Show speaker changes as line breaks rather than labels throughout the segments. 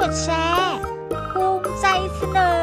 ดแชร์ภูมิใจเสนอ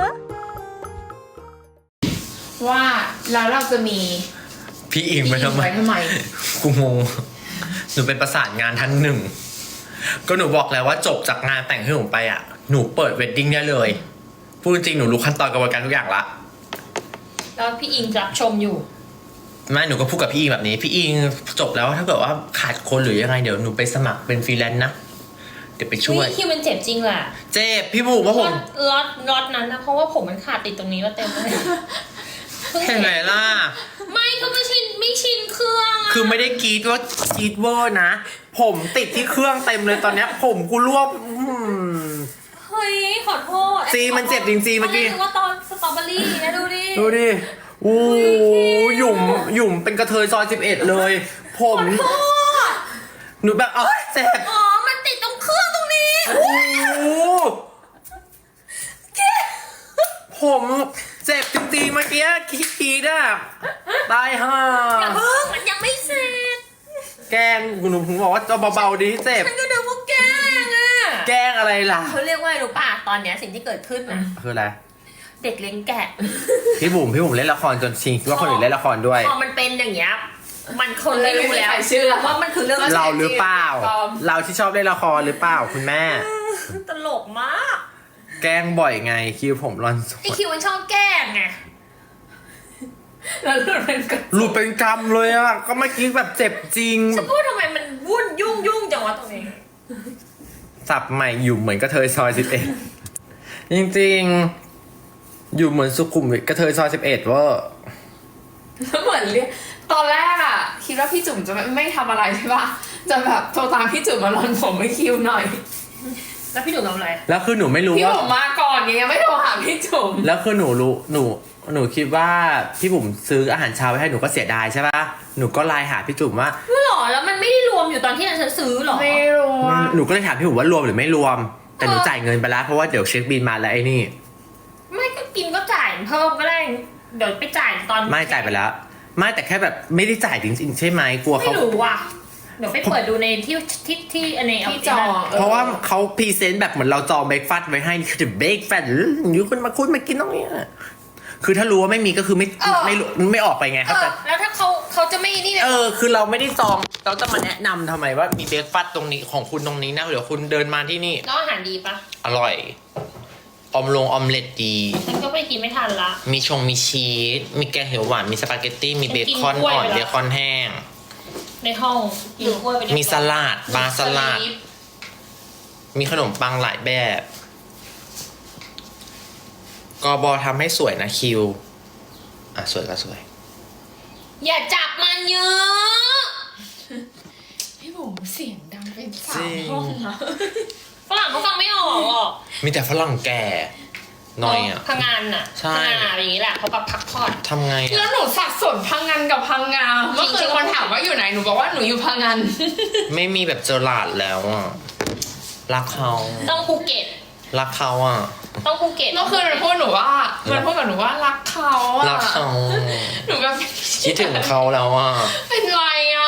ว่าแล้วเราจะมี
พี่อิงไปทำไมกูงงหนูเป็นประสานงานท่านหนึ่งก็หนูบอกแล้วว่าจบจากงานแต่งที่หนูไปอ่ะหนูเปิดเวดดิ้งได้เลยพูดจริงหนูรู้ขั้นตอนกระบวนการทุกอย่างละ
แล้วพี่อิงรับชมอยู่
ไม่หนูก็พูดกับพี่อิงแบบนี้พี่อิงจบแล้วถ้าเกิดว่าขาดคนหรือยังไงเดี๋ยวหนูไปสมัครเป็นฟรีแลนซ์นะเดี๋ยวไปช่วย
คิวมันเจ็บจริงแหละ
เจ็บพี่บุ๋มว่าผม
ล็อตนั้นนะเพราะว่าผมมันขาดติดตรงนี้มาเต็มเลย
เห็นไหมล่ะ
ไม่ก็ไม่ชินเครื่อง
คือไม่ได้กรีดว่ากรีดเวอร์นะผมติดที่เครื่องเต็มเลยตอนเนี้ยผมกูรวบ
เฮ้ยขอโทษ
ซีมันเจ็บจริงๆเมื่อกี้
ว่าตอนสตรอเบอรี่นะดู
ดิอู้หยุ่มเป็นกระเทยซอย11เลยผมหนูแบบเจ็บ
มันติดตรงเครื่องตรงนี้
โอ้ผมเจ็บจริงๆเมื่อกี้คิดอ่ะตายห่า
มันยังไม่เสร็จ
แกล้งหนูบอกว่าจะเบาๆดีเจ็บ
ฉันก็นึกว่าแกล้งอ่ะ
แกล้งอะไรล่ะ
เขาเรียกว่ารู้ป่ะตอนเนี้ยสิ่งที่เกิดขึ้นนะ
คืออะไร
เด็กเลี้ยงแกะ
พี่บุ๋มเล่นละครจนชิงว่าคนอื่นเล่นละครด้วย
พอมันเป็นอย่างเงี้ยมันคนไม่รู้แล้วว่ามันคือเรื่อง
เราหรือเปล่าเราที่ชอบเล่นละครหรือเปล่าคุณแม่
ตลกมาก
แกล้งบ่อยไงคิวผมรอน
ไอคิวมันชอบแกล้งไงแล้วหลุด
เป็นกรรมเลยอ่ะก็เมื่อกี้แบบเจ็บจริง
ฉันพูดทำไมมันวุ่นยุ่งจังวะตรงนี้
สับใหม่อยู่เหมือนกระเทยซอย11จริงๆอยู่เหมือนสุขุมวิทกระเทยซอย11ว่า
เหมือนเรียกตอนแรกอะคิดว่าพี่จุ๋มจะไม่ทำอะไรใช่ปะจะแบบโทรตามพี่จุ๋มมารอนผมให้คิวหน่อย
แล้วพี่จุ๋มทำอะไร
แล้วคือหนูไม่รู้ว่า
พี่ผมมาก่อนยังไม่โทรหาพี่จุ๋ม
แล้วคือหนูรู้หนูคิดว่าพี่บุ๋มซื้ออาหารเช้าไว้ให้หนูก็เสียดายใช่ปะหนูก็ไลน์หาพี่จุ๋มว่า
หรอแล้วมันไม่ได้รวมอยู่ตอนที่ฉันซื้อหรอ
ไม่รวม
หนูก็เลยถามพี่บุ๋มว่ารวมหรือไม่รวมแต่หนูจ่ายเงินไปแล้วเพราะว่าเดี๋ยวเช็คบิลมาแล้วไอ้นี่
ไม่ก็กินก็จ่ายเพิ่มก็ได้เดี๋ยวไปจ่ายตอน
ไม่จ่ายไปแล้วไม่แต่แค่แบบไม่ได้จ่ายจริงๆใช่ไหมกลัวเขา
ไม่รู้ว่ะเดี๋ยวไปเปิดดูในที่อันนี้
ที่จอง
เพราะว่าเขาพรีเซนต์แบบเหมือนเราจองเบรกฟาสต์ไว้ให้คือจะเบรกฟาสต์อยู่คุณมาคุยมากินตรงนี้คือถ้ารู้ว่าไม่มีก็คือไม่ออกไปไงครับแต่
แล้วถ้าเขาจะไม่นี่
คือเราไม่ได้จองเราจะมาแนะนำทำไมว่ามีเบรกฟาสต์ตรงนี้ของคุณตรงนี้นะเดี๋ยวคุณเดินมาที่นี่
แล้วอาหารดีปะ
อร่อยอมเล็ตดี
ฉันก็ไปกินไม่ทันละ
มีชีสมีแกงเขียวหวานมีสปาเกตตี้มีเบคอนอ่อนเบคอนแห้ง
ในห้อง
มีสลัดบาสลัดมีขนมปังหลายแบบกบทำให้สวยนะคิวสวยก็สวย
อย่าจับมันเยอะ
พี่บุ๋มเสียงดังเป็นสามห้องนะ
ฝรั่งเขาฟังไม่ออกหรอก
มีแต่ฝรั่งแก่น้อยอ่ะ
พังงานอ่ะ
ใช่
พังงานอย่างนี้แหละเขาแบบพักผ่อน
ทำไง
แล้วหนูสับสนพังงานกับพังงาเมื่อคืนคนถามว่าอยู่ไหนหนูบอกว่าหนูอยู่พังงาน
ไม่มีแบบเจอหลาดแล้วอ่ะรักเขา
ต้องภูเก็ต
รักเขาอ่ะ
ต้องภูเก็ต
เมื่อคืนมันพูดกับหนูว่ารักเขาอ่ะ
รักเขา
หนูแบบ
คิดถึงเขาแล้วอ่ะ
เป็นไรอ่ะ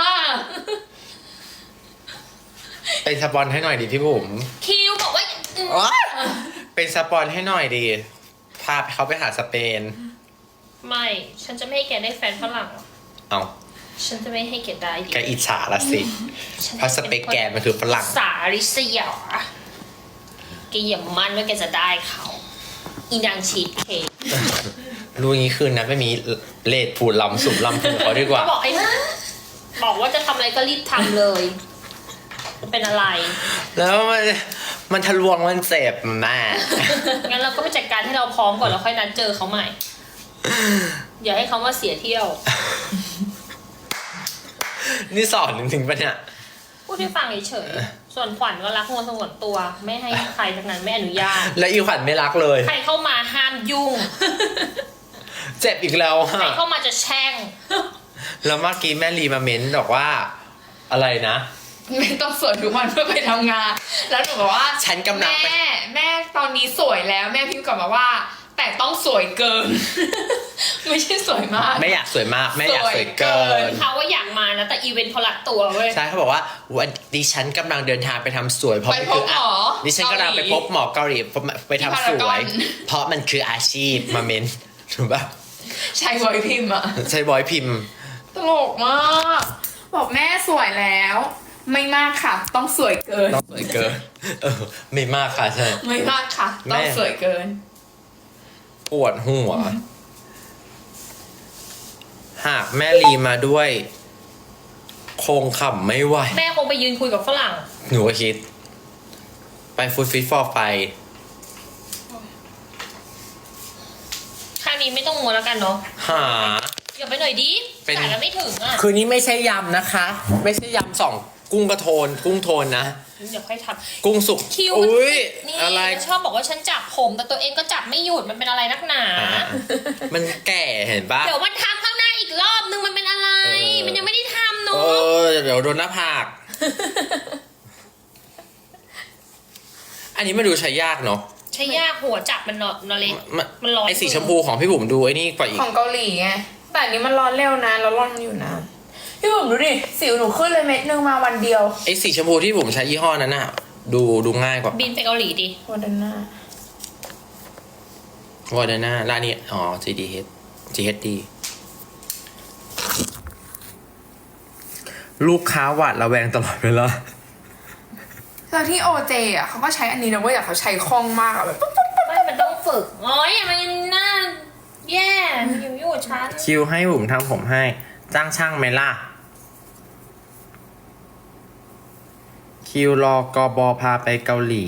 เป็นสปอนให้หน่อยดิพี่บุ๋ม
คิวบอกว่า
เป็นสปอนให้หน่อยดิพาเขาไปหาสเปน
ไม่ฉันจะไม่ให้แกได้แฟนฝรั่ง
เอา
ฉันจะไม่ให้แกได้
แกอิจฉาละสิเพราะสเปคแกมันคือฝรั่ง
สาริเซียแกอย่ามั่นว่าแกจะได้เขาอีนางชีสเค้ก
รู้งี้คืนนะไม่มีเลดผูดลำสุบลำผูดเขาดีกว่า
บอกไอ้นะบอกว่าจะทำอะไรก็รีบทำเลยเป็นอะไร
แล้วมันทะลวงมันเจ็บแม่
งั้นเราก็ไปจัดการให้เราพร้อมก่อนแล้วค่อยนัดเจอเขาใหม่อย่าให้เขามาเสียเที่ยว
นี่สอนจริงๆปะเนี่ย
พูดให้ฟังเฉยๆส่วนขวัญก็รักงวนสงวนตัวไม่ให้ใครทั้งนั้นไม่อนุญาต
และอีขวัญไม่รักเลย
ใครเข้ามาห้ามยุ่ง
เจ็บอีกแล้ว
ใครเข้ามาจะแช่ง
แล้วเมื่อกี้แม่ลีมาเม้นบอกว่าอะไรนะ
ไม่ต้องสวยทุกวันเพื่อไปทำงานแล้วหนูบอกว่า
ฉันกำลัง
แม่ตอนนี้สวยแล้วแม่พิมพ์กลับมาว่าแต่ต้องสวยเกิน ไม่ใช่สวยมาก
ไม่อยากสวยมากไม่อยากสวยเกิน
เขาว่าอยากมานะแต่อีเวนต์เขารัดตัวเว้ย
ใช่เขาบอกว่าวันดิฉันกำลังเดินทางไปทำสวยเพราะ
ไป
มัน
พ
คื
บหมอ
ดิฉันกำลังไปพบหมอเกาหลีไปทำสวย
ที่พารากอน
เพราะมันคืออาชีพมาเมนถูกปะ
ใช่บอยพิมพ์อะ
ใช่บอยพิมพ์
ตลกมากบอกแม่สวยแล้ว ไม่มากค่ะ ต้องสวยเกิน
ต้องสวยเกินไม่มากค่ะใช่
ไม่มากค่ะ
แม่
ต้องสวยเกิน
ปวดหัว หากแม่ลีมาด้วย คงขำไม่ไหว
แม่คงไปยืนคุยกับฝรั่ง
หนูก็คิด ไปฟูดฟิตฟอร์ไฟ
ครั้งนี้ไม่ต้องมัวแล้วกันเนาะ
หา
อย่าไปหน่อยดิ
เป็น
จ่ายกันไม่ถึงอ่ะ
คืนนี้ไม่ใช่ยำนะคะ ไม่ใช่ยำสองกุ้งกระโทน กุ้งโทนนะ
เดี๋ยวค่อยท
กุ้งสุก
ำคิว
อุ้ย
นี่
อะไร
ชอบบอกว่าฉันจับผม แต่ตัวเองก็จับไม่หยุดมันเป็นอะไรนักหนา
มันแก่เห็นปะ
เดี๋ยวมันทำข้างหน้าอีกรอบนึงมันเป็นอะไร มันยังไม่ได้ทำ
เอ
เนาะ
เดี๋ยวโดนหน้าผาก อันนี้มาดูใช้ยากเนาะ
ใช้ยากหัวจับมันเนาะเล็ก มันร้อน
ไอสีชมพูของพี่บุ๋มดูไอ้นี่กว่าอีก
ของเกาหลีไง แต่อันนี้มันร้อนเร็วนะแล้วร้อนอยู่นะ พี่บุ๋มดูดิ สิวหนูขึ้นเลยเม็ดนึงมาวันเดียว
ไอสีชมพูที่บุ๋มใช้ยี่ห้อนั้นน่ะ ดูง่ายกว่า
บินไปเกาหลีดิ
วันเดนหน้าว
อร์เดน่าร้านนี้อ๋อ GHD ลูกค้าหวาดระแวงตลอดเวลา
แล้วที่โอเจอ่ะเขาก็ใช้อันนี้นะเว้ยแต่เขาใช้คล่องมากอะแบบปุ๊บปุ๊บปุ๊บ
ไม่มันต้องฝึกโอ้ยอย่ามาหน้าแย่อยู่ฉัน
คิวให้บุ๋มทำผมให้ จ้างช่างไหมล่ะ คิวรอกบพาไปเกาหลี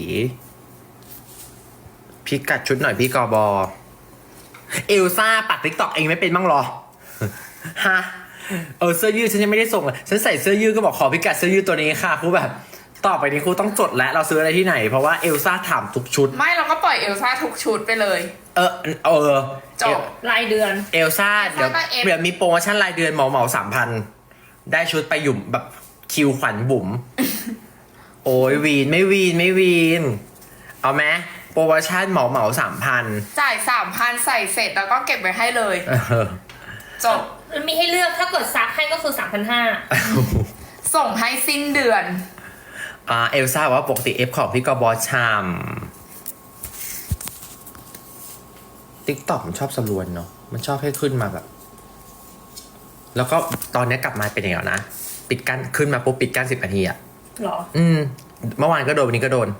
พิกัดชุดหน่อยพี่กบเอลซ่าปัดติ๊กตอกเองไม่เป็นบ้างหรอ ฮะ เสื้อยืดฉันยังไม่ได้ส่งเลยฉันใส่เสื้อยืดก็บอกขอพิกัดเสื้อยืดตัวนี้ค่ะครูแบบ ต่อไปนี้ครูต้องจดแล้วเราซื้ออะไรที่ไหน เพราะว่าเอลซ่าถามทุกชุด
ไม่เราก็ปล่อยเอลซ่าทุกชุดไปเลย
จบ
รายเดือน
เอลซ่าเดี๋ยว
ก็ F
เดี๋ยวมีโปรโมชั่นรายเดือนเหมา3,000 ได้ชุดไปหยุ่มแบบคิวขวัญบุ๋ม โอ้ยวีนไม่วีน เอาไหมโปรโมชั่นเหมา3,000
จ่าย3,000ใส่เสร็จแล้วก็เก็บไว้ให้เลย จบ
มีให้เลือกถ้าเกิดซักให้ก็คือ 3,500
ส่งให้สิ้นเดือน
เอลซ่าบอกว่าปกติเอฟของพี่กบชามติ๊กต็อกมันชอบสรวนเนาะมันชอบให้ขึ้นมาแบบ แล้วก็ตอนนี้กลับมาเป็นอย่างนี้นะปิดกั้นขึ้นมาปุ๊บปิดกั้น10 นาทีอะ
หรอ
เมื่อวานก็โดนวันนี้ก็โดน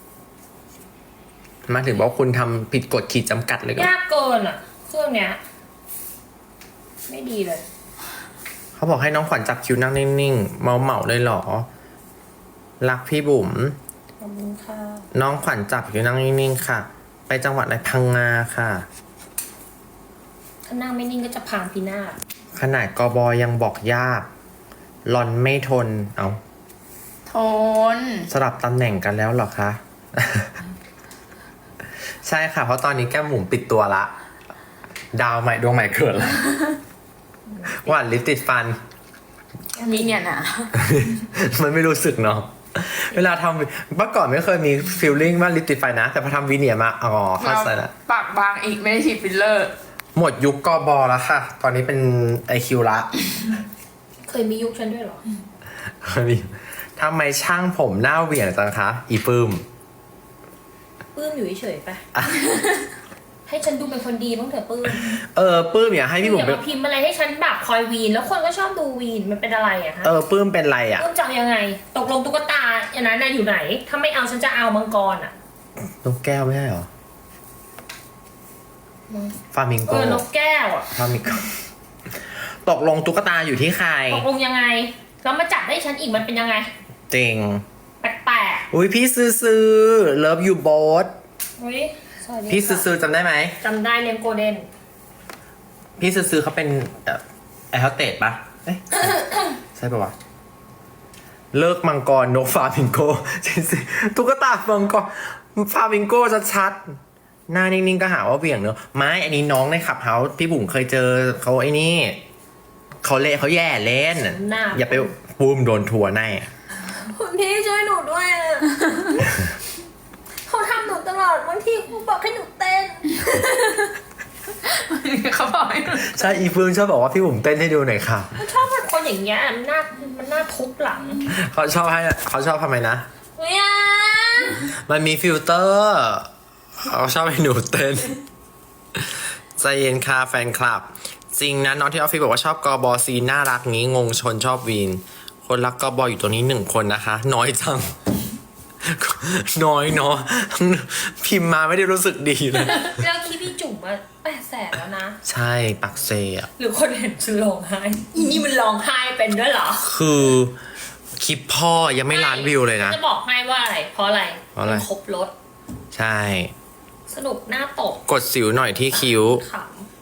มาถึงบอกคุณทำผิดกฎขีดจำกัดเลยก็
ยากเกินอ่ะเครื่องเนี้ย ไม่ดีเลย
เขาบอกให้น้องขวัญจับคิวนั่งนิ่งๆ เมาเลยเหรอ รักพี่บุ๋ม
ขอบคุณค่ะ
น้องขวัญจับคิวนั่งนิ่งๆค่ะ ไปจังหวัดอะไรพังงาค่ะ
ถ้านั่งไม่นิ่งก็จะพังพินาศ
ขนาดกบยังบอกยากหลอนไม่ทน เอา
ทน
สลับตำแหน่งกันแล้วเหรอคะ ใช่ค่ะ เพราะตอนนี้แก้มหมุมปิดตัวละ ดาวใหม่ดวงใหม่เกิดละหวานลิปติดฟัน
อันนี้เนี่ยนะ
มันไม่รู้สึกเนาะ เวลาทำเมื่อก่อนไม่เคยมีฟีลลิ่งว่าลิปติดไฟนะ แต่พอทำวีเนียร์มา อ๋อเข้าใจละ
ปากบางอีกไม่ได้ฉีดฟิลเลอร์
หมดยุคกบแล้วค่ะ ตอนนี้เป็นไอคิวละ
เคยมียุคฉันด้วยเหรอ
ทำไมช่างผมหน้าเหวี่ยงจังคะ อีปื้ม
ปื้มอยู่เฉยๆไป ให้ฉันดูเป็นคนดีบ้างเถอะปื้ม
ปื้มอย่าให้พี่บุ๋ม
อย่ามาพิมพ์อะไรให้ฉันแบบคอยวีน แล้วคนก็ชอบดูวีนมันเป็นอะไรอะคะ
ปื้มเป็นไรอ่ะ
ปื้มจะเอายังไง ตกลงตุ๊กตาอย่างนั้นน่ะอยู่ไหน ถ้าไม่เอาฉันจะเอามังกรอะ
นกแก้วไม่ใช่เหรอ ฟามิงโก
นกแก้วอะ
ฟามิงโก ตกลงตุ๊กตาอยู่ที่ใคร
ตกลงยังไง แล้วมาจับให้ฉันอีกมันเป็นยังไง
จริง
แปลก
อุ้ยพี่ซื้อเลิฟยูโบส
ๆอุ้ยสวัสดี
พี่
ค่ะ
ซื้อจำได้ไหม
จำได้เลี้ยงโกลเด้น
พี่ซื้อเขาเป็นแอร์โฮสเตสปะเอ๊ะ ใช่ปะวะ เลิกมังกรนกฟามิงโก จริงๆตุ๊กตามังกรฟามิงโกชัดๆหน้านิ่งๆก็หาว่าเบี่ยงเนอะไม่อันนี้น้องในขับเฮาส์พี่บุ๋มเคยเจอเขาไอ้นี่เขาเขาแย่เล่น อย่าไปปูมโดนทัวร์แน่
คุณพี่ช่วยหนูด้วยอะ เขาทำหนูตลอดบางทีเขาบอกให้หนูเต้น
เขาบอกให้หนู
ใช่อีเฟืองชอบบอกว่าพี่บุ๋มเต้นให้ดูหน่อยค่ะ
มันชอบเป็นคนอย่างเงี้ยมันน่าทุบหลัง
เขาชอบทำไมนะ
เนี่ย
มันมีฟิลเตอร์เขาชอบให้หนูเต้นใจเย็นค่ะแฟนคลับ จริงนะน้องที่ออฟฟิศบอกว่าชอบกบซีน่ารักงี้งงชนชอบวีน คนรักกบอยู่ตัวนี้1 คนนะคะ น้อยจัง น้อยเนาะพิมพ์มาไม่ได้รู้สึกดีเลย
แล้วคลิปพี่จุ๋มมา800,000แล้วนะ
ใช่ปักเซอะ
หรือคนเห็นฉันร้องไห้อีนี่มันร้องไห้เป็นด้วยเหรอ
คือคลิปพ่อยังไม่ล้านวิวเลยนะ
จะบอกให้ว่าอะไรเพราะอะไร
เพราะอะไร
มันครบรถ
ใช่
สนุกหน้าตก
กดสิวหน่อยที่คิ้ว
ข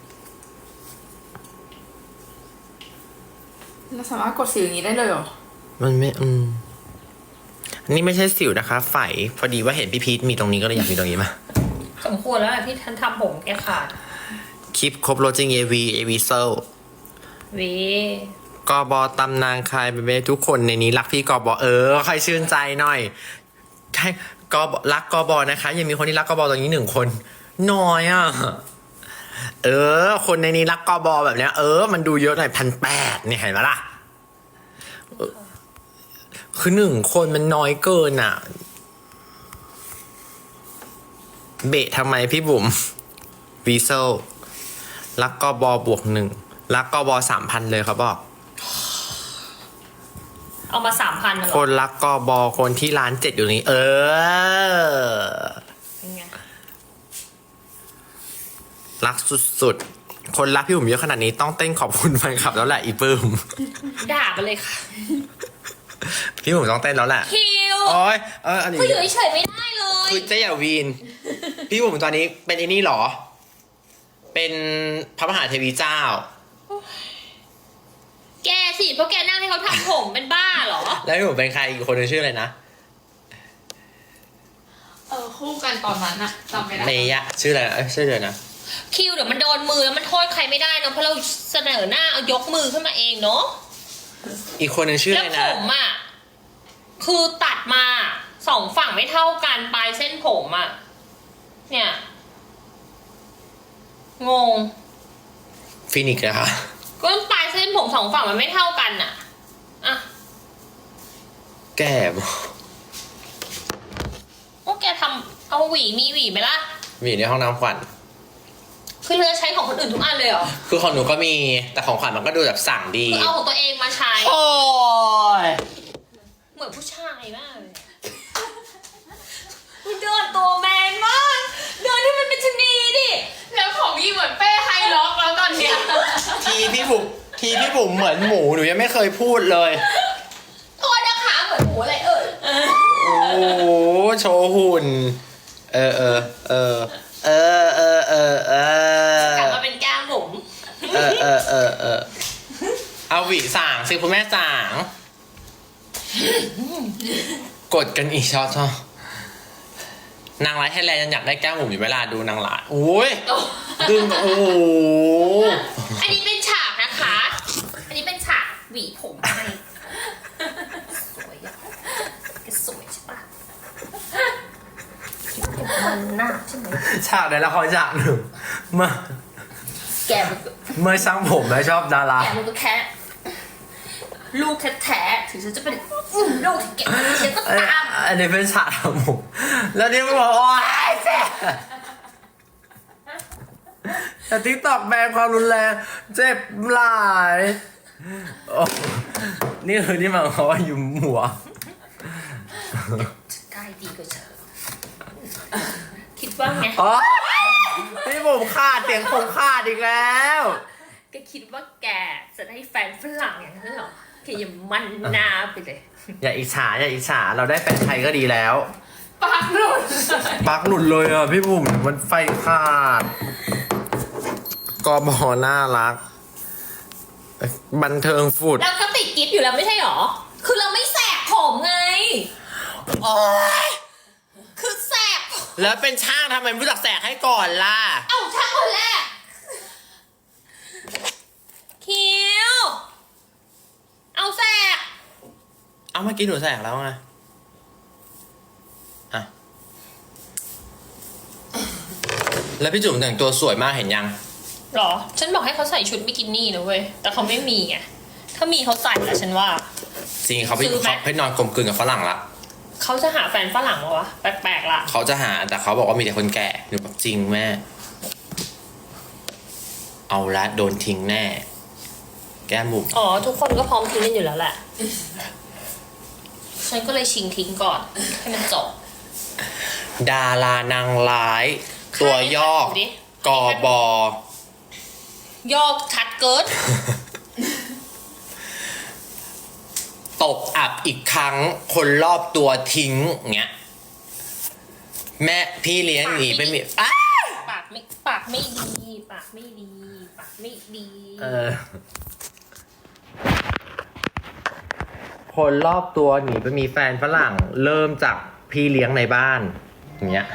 เราสามารถกดสีอย่างนี้ได้เลยเหรอ
มันไม่อันนี้ไม่ใช่สิวนะคะไฝพอดีว่าเห็นพี่พีทมีตรงนี้ก็เลยอยากมีตรงนี้มา
ำสมควรแล้วแหละที่ท่านทำผมแกขาด
คลิปครบรถจริง AV เซล
วี
กบตำนางคายเบเบ้ทุกคนในนี้รักพี่กบใครชื่นใจหน่อยใช่กบรักกบนะคะ ยังมีคนที่รักกบตรงนี้1 คนน้อยอ่ะคนในนี้รักกบแบบเนี้ยมันดูเยอะหน่อย1,800เนี่ยเห็นไหมล่ะคือ1 คนมันน้อยเกินอ่ะ เบะทำไมพี่บุ๋มวีเซลรักกบบวก1รักกบ3,000เลยเขาบอก
เอามา3,000นะเหร
ค
อน
รักกบคนที่ร้าน7อยู่นี้
เป็นไง
รักสุดๆ คนรักพี่บุ๋มเยอะขนาดนี้ต้องเต้นขอบคุณแฟนคลับแล้วแหละอีปื้ม
ด่าไปเลยค่ะ
พี่บุ๋มต้องเต้นแล้วแหละ
คิว
โอ้ยอันนี้
เขาอยู่เฉยๆไม่ได้เลย
คือเจ๊อย่าวีน พี่บุ๋มตอนนี้เป็นไอ้นี่เหรอ เป็นพระมหาเทวีเจ้า
แกสิเพราะแกนั่งให้เขาทำผมเป็นบ้าเหรอ
แล้วพี่บุ๋มเป็นใครอีกคนนึงชื่ออะไรนะ
คู่กันตอนนั้นอะจำไม่ได้
เมยะชื่ออะไรนะชื่ออะไรนะ
คิวเดี๋ยวมันโดนมือแล้วมันโทษใครไม่ได้เนอะเพราะเราเสนอหน้าเอายกมือขึ้นมาเองเนาะ
อีกคนนึงชื่อ
แล้
อะ
ว
ไร
ผ
นะ
มอ่ะคือตัดมา2 ฝั่งไม่เท่ากันปลายเส้นผมอ่ะเนี่ยงง
ฟินิกส์นะคะ
ก็ปลายเส้นผม2 ฝั่งมันไม่เท่ากันอ่ะอ่ะ
แก่บ
โอ้แกทำเอาหวีมีหวีไหมล่ะ
มีอยู่ในห้องน้ำขวัญ
คือเลือกใช้ของคนอื่นทุกอันเลยเหรอ
คือของหนูก็มีแต่ของขวัญมันก็ดูแบบสั่งดี
คือเอาของตัวเองมาใช้
โอ้ย
เหมือนผู้ชายมากเลยมันเดินตัวแมนมากเดินที่มันเป็นชะนีดิ
แล้วของพี่เหมือนเป้ไฮล็อกแล้วตอนเนี้ย
ทีพี่บุ๋มเหมือนหมูหนูยังไม่เคยพูดเลย
โทษนะคะเหมือนหมูอะไรเอ่ย
โอ้โหโชว์หุ่น
กลับมาเป็นแก้มผม
เอาหวีส่างสิคุณแม่ส่าง กดกันอีกช็อตนางร้ายไทยแลนด์ยังอยากได้แก้มหมูอยู่เวลาดูนางร้ายโอ้ยดึงโอ้โห
อันนี้เป็นฉากนะคะ อันนี้เป็นฉากหวีผมให้สวยอะแกสวยใช่ปะมันหน้าใช่ไหม
ฉากในละครฉากหนึ่งเมื่อ
แกมันก็
เมื่อช่างผมและชอบดารา
แกมันก็แค่ลูกแท้ๆถึงฉันจะเป็นลูกที่แกฉันก็ตาม
อันนี้เป็นฉากทำผมแล้วนี่มันบอกโอ๊ยเจ็บแต่ทิกตอกแบนความรุนแรงเจ็บหลายโอ้นี่คือที่หมายความว่าอยู่หัว
ใกล้ดีกว่าเธอคิดว่าไง
อ๋อพี่ผมขาดเสียงผมขาดอีกแล้ว
แกคิดว่าแกจะได้แฟนฝรั่งอย่างนั้นเหรอแกอย่ามันหน้าไปเลย
อย่าอิจฉาเราได้แฟนไทยก็ดีแล้ว
ปากหลุด
ปักหลุดเลยอ่ะพี่บุ๋มมันไฟขาดกบน่ารัก บันเทิงฟุด
แล้วก็ติดกิฟต์อยู่แล้วไม่ใช่หรอ คือเราไม่แสกผมไง
โอ๊ย
คือแสก
แล้วเป็นช่างทำไมไม่รู้จักแสกให้ก่อนล่ะ
เอ้าช่างคนแรก คิว เอาแสก
เอาเมื่อกี้หนูแสกแล้วไงอ่ะแล้วพี่จุ๋มแต่งตัวสวยมากเห็นยัง
หรอ ฉันบอกให้เขาใส่ชุดบิกินี่นะเว้ย แต่เขาไม่มีไง ถ้ามีเขาใส่แล้วฉันว่า
จริงเขาไป
ซื้อไหม
เขาไปนอนกลมกลืนกับฝรั่งละ
เขาจะหาแฟนฝรั่งมาวะ แปลกๆล่ะ
เขาจะหาแต่เขาบอกว่ามีแต่คนแก่หนูบอกจริงแม่ เอาละโดนทิ้งแน่ แก้มบุ๋ม
อ๋อ ทุกคนก็พร้อมทิ้งกันอยู่แล้วแหละ ฉันก็เลยชิงทิ้งก่อน ให้มันจบ
ดารานางร้าย ตัวย่อ
ดูดิ
กอบอ
ยอกชัดเกิน
ตกอับอีกครั้งคนรอบตัวทิ้งเงี้ยแม่พี่เลี้ยงหนีไปมีอ้า
ปากไม่ดี ปากไม่ดี ปากไม่ดี
คนรอบตัวหนีไปมีแฟนฝรั่ง เริ่มจากพี่เลี้ยงในบ้านอย่างเงี้ย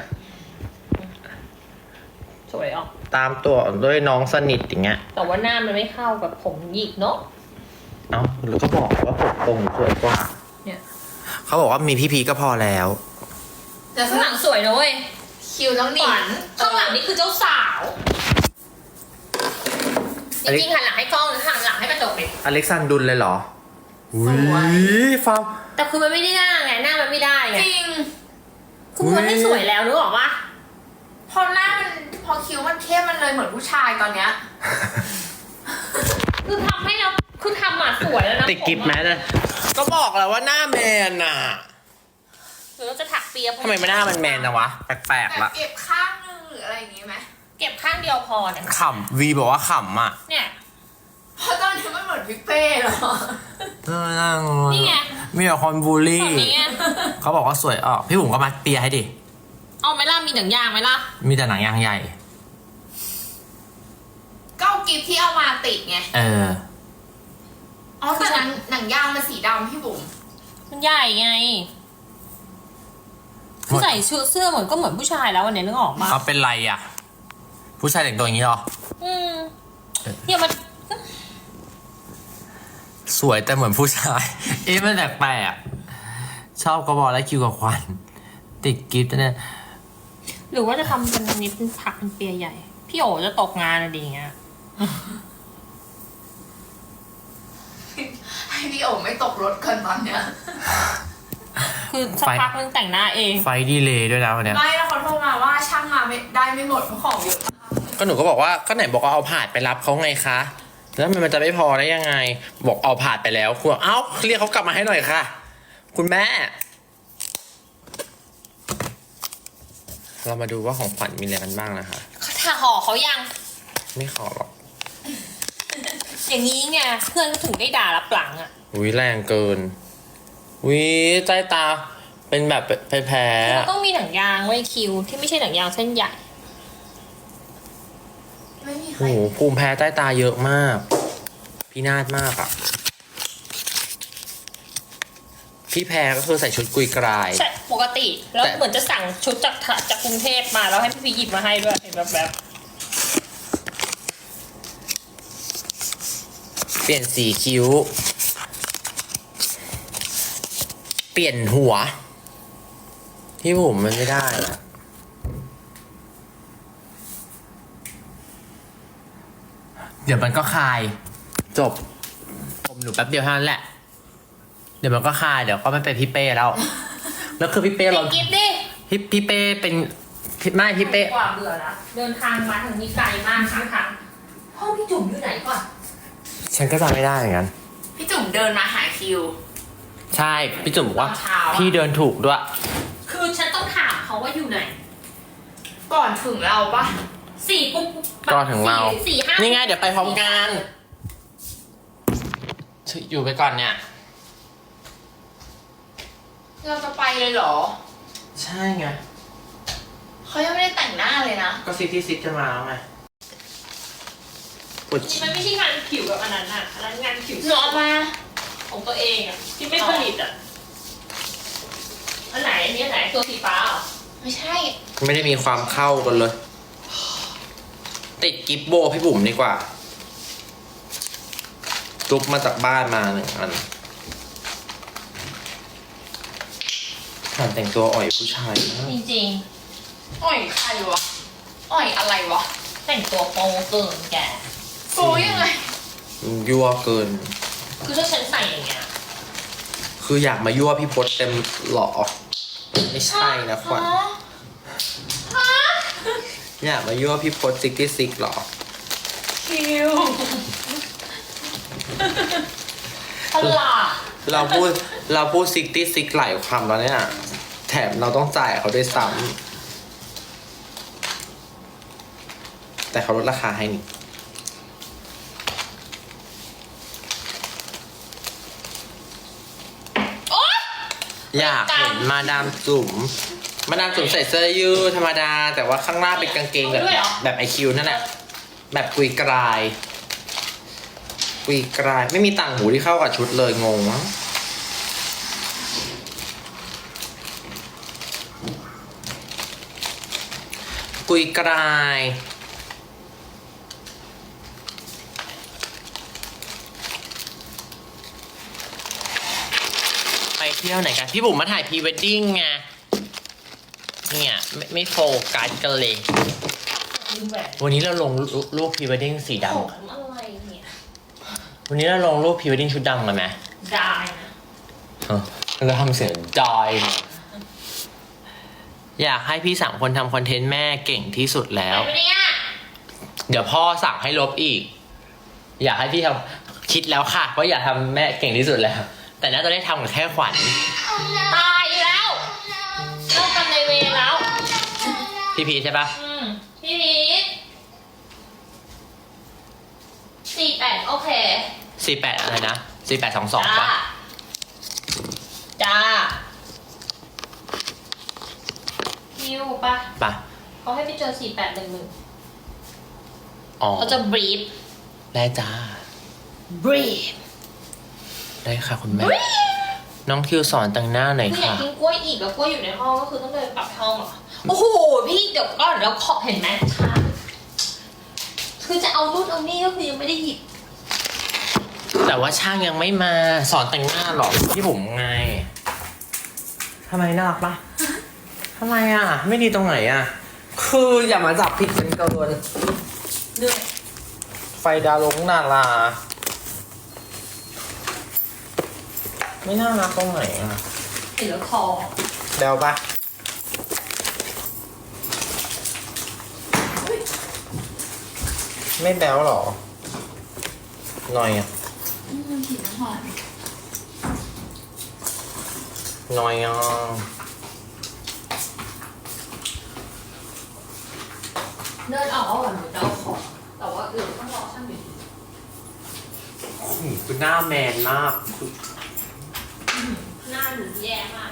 สวยออก
ตามตัวด้วยน้องสนิทอย่างเงี้ย
แต่ว่าหน้ามันไม่เข้ากับผมหยิกเนาะ
เอ้าหรือก็บอกว่าผมตรงสวยกว่า
เนี่ย
เขาบอกว่ามีพี่พีก็พอแล้ว
แต่
ข้างหลังสวยนะเว้ย
คิวต้องหนี
ขวัญข้างหลังนี่คือเจ้าสาวจริงๆหันหลังให้กล้องหรือหันหลังให้กระจกเลย
อเล็กซานดุลเลยเหรอ
สวย
ฟาร์ม
แต่คือมันไม่ได้หน้าไงหน้ามันไม่ได้ไง
จริง
คือมันไม่สวยแล้วนึกออกปะ
พอหน้ามันพอคิ้วมันเข้มมันเลยเหมือนผู้ชายตอนเนี้ย
คือทำให้เราคือทำอ่ะสวยแล้วนะ
ติดกิฟแมสเลยก็บอกแล้วว่าหน้าแมนน่ะ
หรือเราจะถักเปีย
ทำไมไม่หน้ามันแมนนะวะ แปลก
แบ
ๆ
บ
ละ
เก็บข้างนึงหรืออะไรอย่างงี้ไหม
เก็บข้างเดียวพอเนี่ย
ขำวีบอกว่าขำอ่ะ
เนี่ย
เพราะตอนนี้มันเหมือนพี่เป้เหรอ
นี่ไง
มีแต่คนบูลลี่
แบบนี้ไง
เขาบอกว่าสวยออกพี่บุ๋มก็มาเปียให้ดิ
เอาไหมล่ะมีหนังยางไหมล่ะ
มีแต่หนังยางใหญ่
ก็เอากิฟที่เอามาติดไง
เออ
อ๋อแต่หนังยางมันสีดำพี่บุ๋ม
มันใหญ่ไงคือใส่ชุดเสื้อเหมือนก็เหมือนผู้ชายแล้ววันนี้นึกออกปะ
เอาเป็นไรอ่ะ ผู้ชายแต่งตัวอย่างนี้หรอ
เนี่ยมัน
สวยแต่เหมือนผู้ชาย เอ๊ะมันแปลกๆชอบกระบอกและคิวกับควัน ติดกิฟต์เนี่ย
หรือว่าจะทำเป็นนิดเป็นผักเป็นเปียใหญ่ พี่โอจะตกงานอะไรอย่างเงี้ย
ให้พี่โอ๋ไม่ตกรถกันตอนเนี้ย
คือสักพักนึงแต่งหน้าเอง
ไฟดีเลย์ด้วยนะวันเนี้ย
ไม่แล้วเขาโทรมาว่าช่างมาไม่ได้ไม่หมดเพราะของเยอะมาก
ก็หนูก็บอกว่าก็ไหนบอกว่าเอาผาดไปรับเขาไงคะ แล้วมันจะไม่พอได้ยังไง บอกเอาผาดไปแล้วคุณเอ้าเรียกเขากลับมาให้หน่อยค่ะ คุณแม่ เรามาดูว่าของขวัญมีอะไรกันบ้างนะคะ
ถ้าห่อเขายัง
ไม่ขอหรอก
อย่างนี้ไงเพื่อนก็ถึงได้ด่ารับหลังอ่ะ
อุ้ยแรงเกินอุ้ยใต้ตาเป็นแบบแพ้
เราต้องมีหนังยางไว้คิวที่ไม่ใช่หนังยางเส้นใหญ่
ไม่มี
ๆ
ใคร
โอ้โหภูมิแพ้ใต้ตาเยอะมาก พินาศมากอ่ะ พี่แพ้ก็คือใส่ชุดกุยกราย
ใช่ปกติ แล้ว
แต่
เหมือนจะสั่งชุดจากกรุงเทพมาแล้วให้พี่พีหยิบมาให้ด้วยเห็นแบบ
เปลี่ยนสีคิ้ว เปลี่ยนหัว ที่ผมมันไม่ได้อะเดี๋ยวมันก็คลาย จบ ผมหนูแป๊บเดียวเท่านั้นแหละ เดี๋ยวมันก็คลาย เดี๋ยวก็ไม่เป็นพี่เป้แล้ว แล้วคือพี่เป้
เป็
เรา
นกิฟต์ดิ
พี่เป้เป็นไม่พี่เป้
กว่าเบื่อละเดินทางมาถึงนี้ไกลมากข้างทางห้องพี่จุ๋มอยู่ไหนก่อน
ฉันก็จำไม่ได้เหมือนกัน
พี่จุ๋มเดินมาหาคิว
ใช่ พี่จุ๋มบอกว่า
ตอนเช้าอะ
พี่เดินถูกด้วย
คือฉันต้องถามเขาว่าอยู่ไหน
ก่อนถึงเราปะ
สี่ปุ๊บ
ก็ถึงเรา
สี่ห้า
นี่ไงเดี๋ยวไปพร้อมกันอยู่ไปก่อนเนี่ย
เราจะไปเลยเหรอ
ใช่ไง
เขายังไม่ได้แต่งหน้าเลยนะ
ก็ซิตี้ซิตจะมาแล้วไงปวด
นี่มันไม่ใช่งานผิวแบบอันนั้นอ่ะอันนั้นงานผิว
หนูเอามา
ของตัวเองอ่ะที่ไม่ผลิตอ่ะอันไหนอันนี้อันไหนตัวสีฟ้าเหรอ
ไม่ใช่
ไม่ได้มีความเข้ากันเลย ติดกิฟต์โบพี่บุ๋มดีกว่าจุบมาจากบ้านมาหนึ่งอันผ่านแต่งตัวอ่อยผู้ชายมาก
จริง
โอ้ยใครวะอ่อยอะไรวะ
แต่งตัวโป๊เกินแก
โฟยังไง
ยั่วเกิน
คือถ้าฉันใส่อย่างเงี้ย
คืออยากมายั่วพี่พศเต็มหล่อไม่ใช่นะขวัญอยากมายั่วพี่พศ66หรอ
คิว
ตลาด
เราพูด66หลายคำแล้วเนี่ยแถมเราต้องจ่ายเขาด้วยซ้ำแต่เขาลดราคาให้นี่อยากเห็นมาดามจุ๋มใส่เสื้อยืดธรรมดา แต่ว่าข้างหน้าเป็นกางเกงแบบไอคิวนั่นแหละแบบกุยกรายไม่มีต่างหูที่เข้ากับชุดเลยงงมั้งกุยกรายไปเที่ยวไหนกันพี่บุ๋มมาถ่ายพรีเวดดิ้งไงเนี่ยไม่โฟกัสกันเลย
ดูแบบ
วันนี้เราลงรูปพรีเวดดิ้งสี
ผม
ดำ
อะไรเนี่ย
วันนี้เราลงรูปพรีเวดดิ้งชุดดำกันไหม
ได้นะ
เราทำเสียงจอยอยากให้พี่สามคนทำคอนเทนต์แม่เก่งที่สุดแล้ว
ไปเนี่ย
เดี๋ยวพ่อสั่งให้ลบอีก อยากให้พี่ทำคิดแล้วค่ะว่าอยากทำแม่เก่งที่สุดแล้ว แต่น่าจะได้ทำกับแค่ขวัญ
ตายแล้วเลิกกันในเวรแล้ว
พี่พีชใช่ปะ
พี่พีท48โอเค
48อะไรนะ4822ปะ
จ้าคิวปะ
ปะ
เขาให้ไปเจอ4811
อ๋อ
เขาจะบรีฟ
ได้จ้า
บรีฟ
ได้ค่ะคุณแม่ น้องคิวสอนแต่งหน้าหน่อย
คืออยาก
ค่ะ
กินกล้วยอีกแล้วกล้วยอยู่ในห้องก็คือต้องเดินกลับห้องเหรอโอ้โหพี่เดี๋ยวก่อนแล้วขอเห็นไหมคะคือจะเอานู่นเอานี่ก็คือยังไม่ได้หยิบ
แต่ว่าช่างยังไม่มาสอนแต่งหน้าหรอกพี่ผมไงทำไมน่ารักปะทำไมอ่ะ ไม่ดีตรงไหนอ่ะ คืออย่ามาจับผิดกันเกิน
เหนื่อย
ไฟดาวลงนาราไม่น่ารักตรงไหนอ่ะ
เห็นแล้วคอ
เดาปะไม่แบวหรอหน่อยอ่ะ
มันกลิ่นน้ำหอม
หน่อยอ่ะ
เดินออกแล้วเหรอหนูจะเอาของแต่ว่าต้องรอช่างอยู่ดี
คือหน้าแมนมาก
หน้าหนูแย่มาก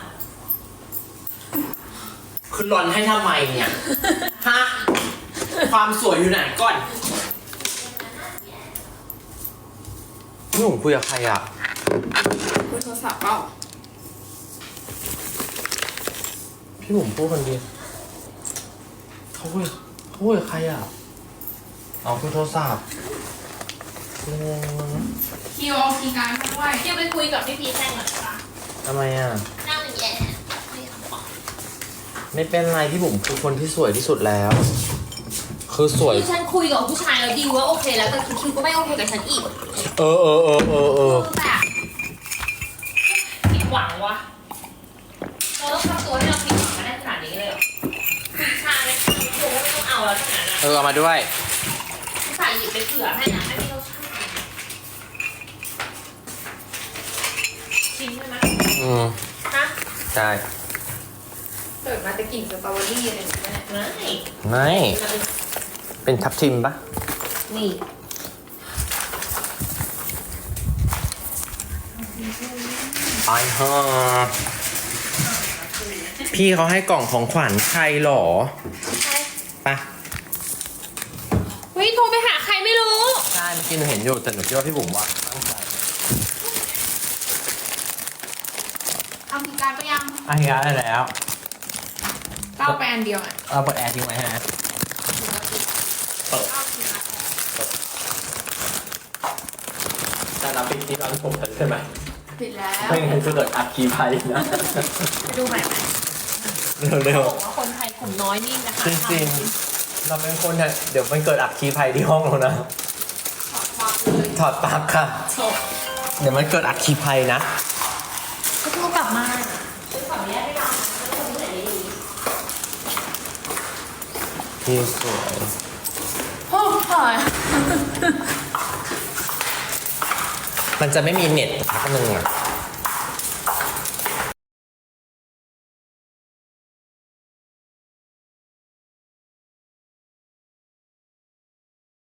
คือรอนให้ทำไมเนี่ย ฮะ ความสวยอยู่ไหนก่อนพี่ผมคุยกับใครอ่ะ
คุยโทรศัพท์เปล่า
พี่ผมพูดคนเดียวเขาคุยกับใครอ่ะเอาคุยโทรศัพท์งง
คิวเอาคีย์การ์ดมาด้วย
เดี๋ยวไปคุยกับพี่พีชแทนหน่อยค่ะ
ทำไมอ่ะ
หน้าหนูแย่ไม่ทำของ
ไม่เป็นไรพี่ผมคือคนที่สวยที่สุดแล้ว คือสวย
คือฉันคุยกับผู้ชายแล้วดีลว่าโอเคแล้วแต่คิวก็ไม่โอเคกับฉันอีก
เออ
แบบผิดหวังวะเราต้องทำตัวให้เราผิดหวังมาได้ขนาดนี้เลยเหรอผู้ชายเนี่ยคือไม่ต้องเอาแล้วขนาดนั้น
เอามาด้วย
ผู้ชายหยิบไปเผื่อให้นะไม่มีเราช่างชิมใช่ไหม
อืม
ฮะ
ใช่
เปิดมาจะกลิ่นสตรอเบอรี่อะไรอย่างเงี้ย
ไม่
เป็นทับทิมปะ
นี่
ไปฮะพี่เขาให้กล่องของขวัญใครหรอปะ
เฮ้ยโทรไปหาใครไม่รู้
ใช่เมื่อกี้หนูเห็นอยู่แต่หนูคิดว่าพี่บุ๋มว่าตั้งใจ
เอาคีย์การ์ดไปยัง
อันนี้ได้แล้ว
ก็เอาไปอันเดียวอ่ะ
เอาเปิดแอร์ทิ้งไว้ฮะเปิด
เอาคีย์การ์ด
ถ้าเราปิดที่เราที่ผมเปิดใช่ไหม
ปิดแล้ว
ไม่งั้นจะเกิดอัคคีภัยนะ
ไปดูใหม่ไหม
เร็ว
บอกว่าคนไทยกลุ่มน้อยนี่นะคะ
จริงเราเป็นคนเนี่ยเดี๋ยวมันเกิดอัคคีภัยที่ห้องเรานะ ถอดปลั๊กค่ะ
จบ
เดี๋ยวมันเกิดอัคคีภัยนะ
ก็โทรกลับมา
คือขออนุญาตไม่รับแล้วคนที่ไหนดี
พี่สวย
โอ้ย
มันจะไม่มีเน็ตพักหนึ่งอ่ะ